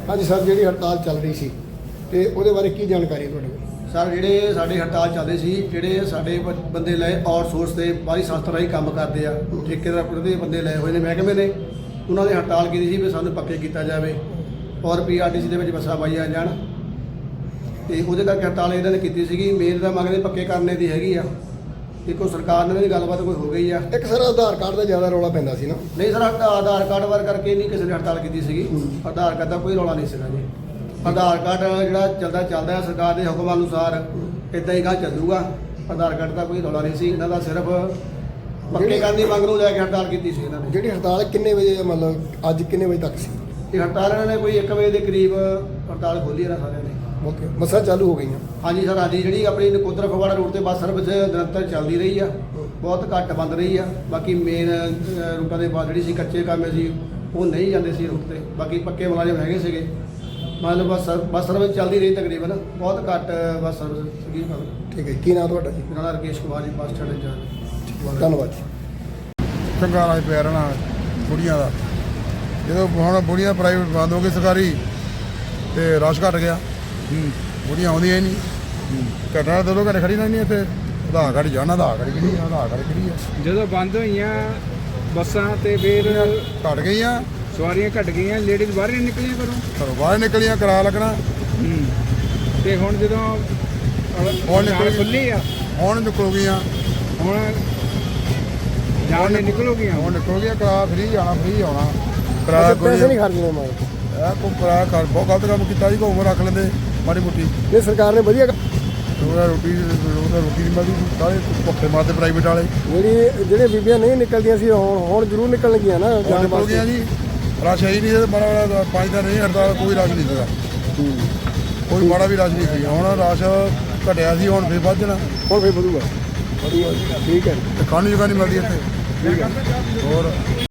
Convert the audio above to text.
ਹਾਂਜੀ ਸਰ, ਜਿਹੜੀ ਹੜਤਾਲ ਚੱਲ ਰਹੀ ਸੀ ਤੇ ਉਹਦੇ ਬਾਰੇ ਕੀ ਜਾਣਕਾਰੀ ਹੈ ਤੁਹਾਡੇ ਕੋਲ? ਸਰ ਜਿਹੜੇ ਸਾਡੇ ਹੜਤਾਲ ਚੱਲਦੇ ਸੀ, ਜਿਹੜੇ ਸਾਡੇ ਬੰਦੇ ਲਏ ਆਊਟਸੋਰਸ ਤੇ ਬਾਹਰੀ ਸੰਸਥਾ ਰਾਹੀਂ ਕੰਮ ਕਰਦੇ ਆ, ਠੇਕੇਦਾਰ ਦੇ ਬੰਦੇ ਲਏ ਹੋਏ ਨੇ ਮਹਿਕਮੇ ਨੇ, ਉਹਨਾਂ ਨੇ ਹੜਤਾਲ ਕੀਤੀ ਸੀ ਵੀ ਸਾਨੂੰ ਪੱਕੇ ਕੀਤਾ ਜਾਵੇ ਔਰ ਪੀਆਰਟੀਸੀ ਦੇ ਵਿੱਚ ਬੱਸਾਂ ਪਾਈਆਂ ਜਾਣ। ਤੇ ਉਹਦੇ ਕਰਕੇ ਹੜਤਾਲ ਇਹਨਾਂ ਨੇ ਕੀਤੀ ਸੀਗੀ। ਮੇਨ ਤਾਂ ਮੰਗਦੇ ਪੱਕੇ ਕਰਨੇ ਦੀ ਹੈਗੀ ਆ। ਦੇਖੋ ਸਰਕਾਰ ਨਾਲ ਵੀ ਗੱਲਬਾਤ ਕੋਈ ਹੋ ਗਈ ਆ। ਇੱਕ ਸਰ ਆਧਾਰ ਕਾਰਡ ਦਾ ਜ਼ਿਆਦਾ ਰੌਲਾ ਪੈਂਦਾ ਸੀ ਨਾ? ਨਹੀਂ ਸਰ, ਆਧਾਰ ਕਾਰਡ ਵਾਰ ਕਰਕੇ ਨਹੀਂ ਕਿਸੇ ਨੇ ਹੜਤਾਲ ਕੀਤੀ ਸੀਗੀ। ਆਧਾਰ ਕਾਰਡ ਦਾ ਕੋਈ ਰੌਲਾ ਨਹੀਂ ਸੀਗਾ ਜੀ। ਆਧਾਰ ਕਾਰਡ ਜਿਹੜਾ ਚੱਲਦਾ ਹੈ ਸਰਕਾਰ ਦੇ ਹੁਕਮ ਅਨੁਸਾਰ, ਇੱਦਾਂ ਹੀ ਗਾ ਚੱਲੂਗਾ। ਆਧਾਰ ਕਾਰਡ ਦਾ ਕੋਈ ਰੌਲਾ ਨਹੀਂ ਸੀ। ਇਹਨਾਂ ਦਾ ਸਿਰਫ ਪੱਕੇ ਕਰਨ ਦੀ ਮੰਗ ਨੂੰ ਲੈ ਕੇ ਹੜਤਾਲ ਕੀਤੀ ਸੀ ਇਹਨਾਂ ਨੇ। ਜਿਹੜੀ ਹੜਤਾਲ ਕਿੰਨੇ ਵਜੇ, ਮਤਲਬ ਅੱਜ ਕਿੰਨੇ ਵਜੇ ਤੱਕ ਸੀ? ਇਹ ਹੜਤਾਲ ਇਹਨਾਂ ਨੇ ਕੋਈ 1 ਵਜੇ ਦੇ ਕਰੀਬ ਹੜਤਾਲ ਖੋਲ੍ਹੀ ਇਹਨਾਂ ਸਾਰਿਆਂ ਨੇ। ਓਕੇ, ਬੱਸਾਂ ਚਾਲੂ ਹੋ ਗਈਆਂ? ਹਾਂਜੀ ਸਰ, ਹਾਂਜੀ। ਜਿਹੜੀ ਆਪਣੀ ਨਕੋਦਰ ਫਗਵਾੜਾ ਰੋਡ ਤੇ ਬੱਸ ਸਰਵਿਸ ਨਿਰੰਤਰ ਚੱਲਦੀ ਰਹੀ ਆ, ਬਹੁਤ ਘੱਟ ਬੰਦ ਰਹੀ ਆ। ਬਾਕੀ ਮੇਨ ਰੂਟਾਂ ਦੇ ਬਾਅਦ ਜਿਹੜੀ ਸੀ ਕੱਚੇ ਕੰਮ ਸੀ ਉਹ ਨਹੀਂ ਜਾਂਦੇ ਸੀ ਰੂਟ ਤੇ। ਬਾਕੀ ਪੱਕੇ ਮੁਲਾਜ਼ਮ ਹੈਗੇ ਸੀਗੇ। ਮਤਲਬ ਬੱਸ ਸਰਵਿਸ ਚੱਲਦੀ ਰਹੀ ਤਕਰੀਬਨ, ਬਹੁਤ ਘੱਟ ਬੱਸ ਸਰਵਿਸ ਸੀਗੀ। ਠੀਕ ਹੈ, ਕੀ ਨਾਮ ਤੁਹਾਡਾ ਜੀ? ਮੇਰਾ ਨਾਮ ਰਕੇਸ਼ ਕੁਮਾਰ ਜੀ, ਬੱਸ ਸਟੈਂਡ ਇੰਚਾਰਜ। ਧੰਨਵਾਦ ਜੀ। ਚੰਗਾ ਰਾਜ ਪਿਆ ਰਹਿਣਾ ਬੁੜੀਆਂ ਦਾ। ਜਦੋਂ ਹੁਣ ਬੁੜੀਆਂ ਪ੍ਰਾਈਵੇਟ ਬੰਦ ਹੋ ਗਈ, ਸਰਕਾਰੀ ਤੇ ਰਸ਼ ਘਟ ਗਿਆ। ਬੁੜੀਆਂ ਆਉਂਦੀਆਂ ਹੀ ਨਹੀਂ। ਘਟਣਾ 2 ਘੰਟੇ ਖੜੀ ਨਹੀਂ ਇੱਥੇ। ਆਧਾਰ ਕਾਰਡ ਜਾਣਾ, ਆਧਾਰ ਕਾਰਡ ਕਿਹੜੀ ਆ, ਆਧਾਰ ਕਾਰਡ ਕਿਹੜੀ ਆ। ਜਦੋਂ ਬੰਦ ਹੋਈਆਂ ਬੱਸਾਂ ਤੇ ਫਿਰ ਘਟ ਗਈਆਂ, ਸਵਾਰੀਆਂ ਘਟ ਗਈਆਂ, ਲੇਡੀਜ਼ ਬਾਹਰ ਨਹੀਂ ਨਿਕਲੀਆਂ ਘਰੋਂ ਬਾਹਰ ਨਿਕਲੀਆਂ, ਕਿਰਾਇਆ ਲੱਗਣਾ। ਤੇ ਹੁਣ ਜਦੋਂ ਹੁਣ ਨਿਕਲ ਖੁੱਲੀ ਆ, ਹੁਣ ਨਿਕਲੂਗੀਆਂ, ਹੁਣ ਜਾਣ ਨੇ ਨਿਕਲੋਗੀਆਂ। ਹੁਣ ਨਿਕਲੂਗੀਆਂ। ਕਿਰਾਇਆ ਫਰੀ ਆਉਣਾ, ਫਰੀ ਆਉਣਾ। ਪੈਸੇ ਕਿਰਾਇਆ ਨਹੀਂ ਖਰਚਣੇ ਮਾਰ। ਇਹ ਕੋਈ ਕਿਰਾਇਆ ਬਹੁਤ ਗਲਤ ਕੰਮ ਕੀਤਾ ਜੀ। ਘੁੰਮ ਰੱਖ ਲੈਂਦੇ ਮਾੜੀ ਮੋਟੀ। ਨਹੀਂ, ਸਰਕਾਰ ਨੇ ਵਧੀਆ ਰੋਟੀ ਨਹੀਂ ਮਿਲਦੀ। ਸਾਰੇ ਭੁੱਖੇ ਮਾਰਦੇ ਪ੍ਰਾਈਵੇਟ ਵਾਲੇ। ਜਿਹੜੇ ਬੀਬੀਆਂ ਨਹੀਂ ਨਿਕਲਦੀਆਂ ਸੀ ਹੁਣ ਜ਼ਰੂਰ ਨਿਕਲਣਗੀਆਂ ਨਾ ਜਾਣ ਨਿਕਲ ਗਈਆਂ ਜੀ। ਰਸ਼ ਹੈ ਹੀ ਨਹੀਂ। ਮਾੜਾ ਮਾੜਾ 5 ਦਿਨ ਨਹੀਂ ਹੜਤਾਲ, ਕੋਈ ਰਸ਼ ਨਹੀਂ ਸੀਗਾ। ਕੋਈ ਮਾੜਾ ਵੀ ਰਸ਼ ਨਹੀਂ ਸੀ। ਹੁਣ ਰਸ਼ ਘਟਿਆ ਸੀ, ਹੁਣ ਫਿਰ ਵੱਧ ਜਾਣਾ। ਹੁਣ ਫਿਰ ਵਧੂਗਾ। ਠੀਕ ਹੈ। ਤੇ ਖਾਣ ਨੂੰ ਜਗ੍ਹਾ ਨਹੀਂ ਮਿਲਦੀ ਇੱਥੇ। ਠੀਕ ਹੈ। ਹੋਰ